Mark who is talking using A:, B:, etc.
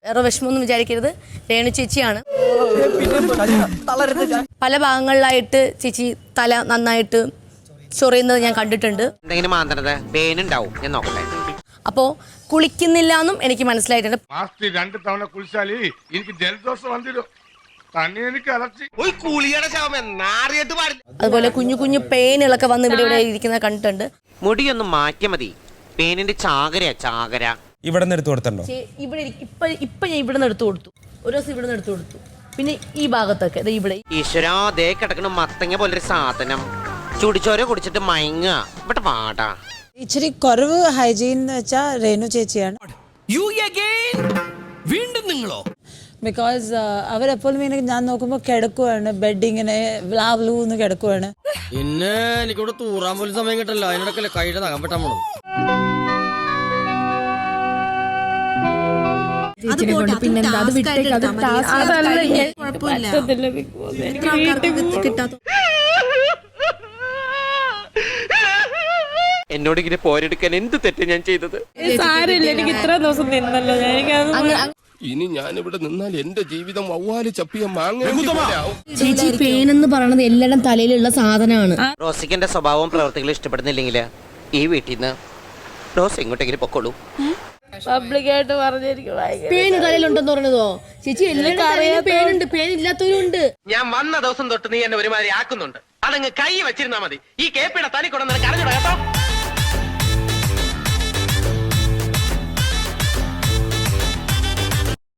A: വേറെ വിഷമമൊന്നും വിചാരിക്കരുത്, രേണു ചേച്ചിയാണ്. പല ഭാഗങ്ങളിലായിട്ട് ചേച്ചി തല നന്നായിട്ട് ചൊറിയുന്നത് ഞാൻ കണ്ടിട്ടുണ്ട്. അപ്പോൾ കുളിക്കുന്നില്ല എന്നും എനിക്ക് മനസ്സിലായിട്ടുണ്ട്. അതുപോലെ കുഞ്ഞു കുഞ്ഞു പെയിനുകളൊക്കെ വന്ന് ഇവിടെ ഇരിക്കുന്നത് കണ്ടിട്ടുണ്ട്.
B: മുടിയൊന്നും മാറ്റിയ മതി, പേനിന്റെ ചാകര
C: ഇവിടെ നിന്ന് എടുത്തു കൊടുത്തോ?
A: ഇവിടെ ഇപ്പൊ ഞാൻ ഇവിടെ നിന്ന് എടുത്തു കൊടുത്തു, ഒരു ദിവസം ഇവിടെ നിന്ന് എടുത്തു കൊടുത്തു. പിന്നെ ഈ ഭാഗത്തൊക്കെ ഇവിടെ
B: ഈശ്വരാ ദേ കിടക്കണ മത്തങ്ങ പോലൊരു സാധനം, ചുടിച്ചോര കുടിച്ചിട്ട് മയങ്ങ ഇവിടെ പാടാ.
D: ഇച്ചിരി കുറവ് ഹൈജീൻ എന്ന് വെച്ചാൽ രേണു ചേച്ചിയാണ്. ബിക്കോസ് അവരെപ്പോഴും ഇങ്ങനെ ഞാൻ നോക്കുമ്പോൾ കിടക്കുവാണ്, ബെഡ് ഇങ്ങനെ വ്ലാവ്ലൂന്ന് കിടക്കുവാണ്.
E: പിന്നെ എനിക്കിവിടെ തൂറാൻ പോലും സമയം കിട്ടല്ലോ, അതിനിടക്കല്ലേ കൈയുടെ നഖം വെട്ടാൻ പോണത്.
B: എന്നോട് ഇങ്ങനെ പോരെടുക്കാൻ എന്ത് തെറ്റ് ഞാൻ ചെയ്തത്?
A: എനിക്ക് ഇത്ര ദിവസം നിന്നല്ലോ.
F: ഇനി ഞാനിവിടെ നിന്നാൽ എന്റെ ജീവിതം വവ്വാല് ചപ്പിയ മാങ്ങ.
A: ചേച്ചി പെയിൻ എന്ന് പറയുന്നത് എല്ലാവരും തലയിലുള്ള സാധനമാണ്.
B: റോസിക്ക് എന്റെ സ്വഭാവവും പ്രവർത്തികളും ഇഷ്ടപ്പെടുന്നില്ലെങ്കിൽ ഈ വീട്ടിൽ നിന്ന് റോസ് എങ്ങോട്ടെങ്കിലും പൊക്കോളൂ.
A: പബ്ലിക്കായിട്ട് പേന് തലയിലുണ്ടെന്ന് പറഞ്ഞതോ? ചേച്ചി എല്ലാവരും പേനുണ്ട്, പേനില്ലാത്തവരുണ്ട്.
G: ഞാൻ വന്ന ദിവസം തൊട്ട് നീ എന്നെ ഒരുമാതിരി ആക്കുന്നുണ്ട്. അതങ്ങ് കൈ വെച്ചിരുന്നാ മതി. ഈ കേപ്പിയുടെ തനി കൊണ്ടെന്ന് കരഞ്ഞിടാ കേട്ടോ.